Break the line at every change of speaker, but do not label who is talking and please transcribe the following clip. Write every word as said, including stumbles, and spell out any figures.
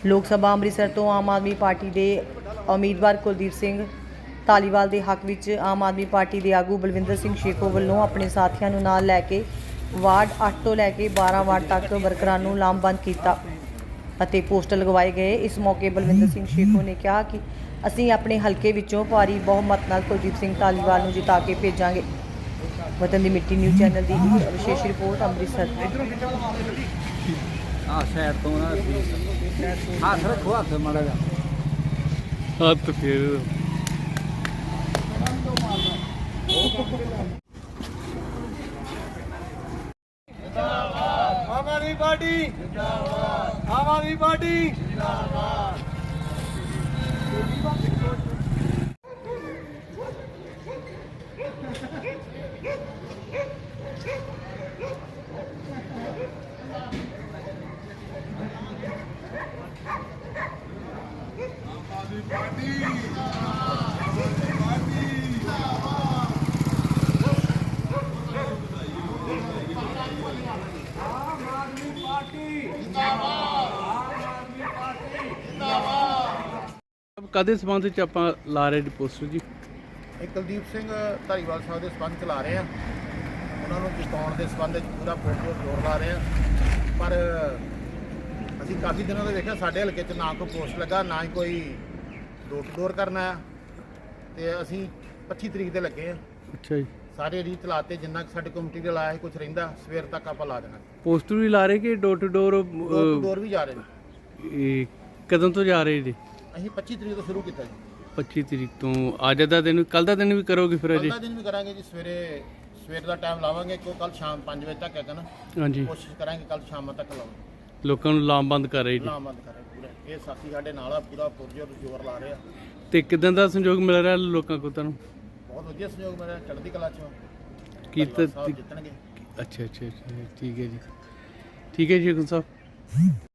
ਲੋਕ ਸਭਾ ਅੰਮ੍ਰਿਤਸਰ ਤੋਂ ਆਮ ਆਦਮੀ ਪਾਰਟੀ ਦੇ ਉਮੀਦਵਾਰ ਕੁਲਦੀਪ ਸਿੰਘ ਧਾਲੀਵਾਲ ਦੇ ਹੱਕ ਵਿੱਚ ਆਮ ਆਦਮੀ ਪਾਰਟੀ ਦੇ ਆਗੂ ਬਲਵਿੰਦਰ ਸਿੰਘ ਸ਼ੇਖੋ ਵੱਲੋਂ ਆਪਣੇ ਸਾਥੀਆਂ ਨੂੰ ਨਾਲ ਲੈ ਕੇ ਵਾਰਡ ਅੱਠ ਤੋਂ ਲੈ ਕੇ ਬਾਰਾਂ ਵਾਰਡ ਤੱਕ ਵਰਕਰਾਂ ਨੂੰ ਲਾਮਬੰਦ ਕੀਤਾ ਅਤੇ ਪੋਸਟਰ ਲਗਵਾਏ ਗਏ। ਇਸ ਮੌਕੇ ਬਲਵਿੰਦਰ ਸਿੰਘ ਸ਼ੇਖੋ ਨੇ ਕਿਹਾ ਕਿ ਅਸੀਂ ਆਪਣੇ ਹਲਕੇ ਵਿੱਚੋਂ ਭਾਰੀ ਬਹੁਮਤ ਨਾਲ ਕੁਲਦੀਪ ਸਿੰਘ ਧਾਲੀਵਾਲ ਨੂੰ ਜਿਤਾ ਕੇ ਭੇਜਾਂਗੇ। ਵਤਨ ਦੀ ਮਿੱਟੀ ਨਿਊਜ਼ ਚੈਨਲ ਦੀ ਇੱਕ ਵਿਸ਼ੇਸ਼ ਰਿਪੋਰਟ ਅੰਮ੍ਰਿਤਸਰ।
हाँ शहर तो ना हाथ रखो हाथ माड़ा जा
हाथ फिर
आम आदमी पार्टी आम आदमी पार्टी
ਕਦੇ ਸੰਬੰਧ ਚ ਆਪਾਂ ਲਾ ਰਹੇ ਪੋਸਟਰ ਜੀ?
ਇਹ ਕੁਲਦੀਪ ਸਿੰਘ ਧਾਲੀਵਾਲ ਸਾਹਿਬ ਦੇ ਸੰਬੰਧ ਚ ਲਾ ਰਹੇ ਆ। ਉਹਨਾਂ ਨੂੰ ਜਿਤਾਉਣ ਦੇ ਸੰਬੰਧ ਵਿੱਚ ਪੂਰਾ ਪੋਸਟਰ ਜ਼ੋਰ ਲਾ ਰਹੇ ਆ। ਪਰ ਅਸੀਂ ਕਾਫੀ ਦਿਨਾਂ ਤੋਂ ਵੇਖਿਆ ਸਾਡੇ ਹਲਕੇ 'ਚ ਨਾ ਕੋਈ ਪੋਸਟ ਲੱਗਾ, ਨਾ ਹੀ ਕੋਈ ਡੋਰ ਟੂ ਡੋਰ ਕਰਨਾ ਆ। ਤੇ ਅਸੀਂ ਪੱਚੀ ਤਰੀਕ ਦੇ ਲੱਗੇ ਆ।
ਅੱਛਾ ਜੀ।
ਸਾਰੇ ਰੀਤ ਲਾਤੇ, ਜਿੰਨਾ ਕੁ ਸਾਡੇ ਕਮੇਟੀ ਦੇ ਲਾਇਆ ਕੁਝ ਰਹਿੰਦਾ ਸਵੇਰ ਤੱਕ ਆਪਾਂ ਲਾ ਦੇਣਾ।
ਪੋਸਟਰ ਵੀ ਲਾ ਰਹੇ ਕਿ door to door?
Door to door ਵੀ ਜਾ ਰਹੇ ਨੇ।
ਇਹ ਕਦੋਂ ਤੋਂ ਜਾ ਰਹੇ ਜੀ?
ਅਸੀਂ ਪੱਚੀ ਤਰੀਕ ਤੋਂ ਸ਼ੁਰੂ ਕੀਤਾ ਜੀ।
ਪੱਚੀ ਤਰੀਕ ਤੋਂ। ਅੱਜ ਦਾ ਦਿਨ, ਕੱਲ ਦਾ ਦਿਨ ਵੀ ਕਰੋਗੇ ਫਿਰ ਅਜੇ?
ਕੱਲ੍ਹ ਦਾ ਦਿਨ ਵੀ ਕਰਾਂਗੇ ਜੀ। ਸਵੇਰੇ ਸਵੇਰ ਦਾ ਟਾਈਮ ਲਾਵਾਂਗੇ ਕਿਉਂ ਕੱਲ ਸ਼ਾਮ ਪੰਜ ਵਜੇ ਤੱਕ ਹੈਗਾ ਨਾ।
ਹਾਂਜੀ।
ਕੋਸ਼ਿਸ਼ ਕਰਾਂਗੇ ਕੱਲ ਸ਼ਾਮਾਂ ਤੱਕ ਲਾਵਾਂਗੇ।
ਲੋਕਾਂ ਨੂੰ ਲਾਮਬੰਦ ਕਰ ਰਹੇ ਜੀ?
ਲਾਮਬੰਦ ਕਰੇ ਪੂਰਾ। ਇਹ ਸਾਥੀ ਸਾਡੇ ਨਾਲ ਆ, ਪੂਰਾ ਪੁਰਜੋਰ ਜ਼ੋਰ ਲਾ ਰਹੇ ਆ।
ਤੇ ਕਿਦਾਂ ਦਾ ਸੰਯੋਗ ਮਿਲ ਰਿਹਾ ਲੋਕਾਂ ਕੋਲ ਤੁਹਾਨੂੰ?
ਬਹੁਤ ਵਧੀਆ ਸਹਿਯੋਗ ਮੇਰਾ, ਚੜ੍ਹਦੀ ਕਲਾ ਚ
ਕੀਤਾ
ਸਾਹਿਬ ਜਿੱਤਣਗੇ।
ਅੱਛਾ ਅੱਛਾ ਅੱਛਾ, ਠੀਕ ਹੈ ਜੀ। ਠੀਕ ਹੈ ਜੀ ਗੁਰੂ ਸਾਹਿਬ।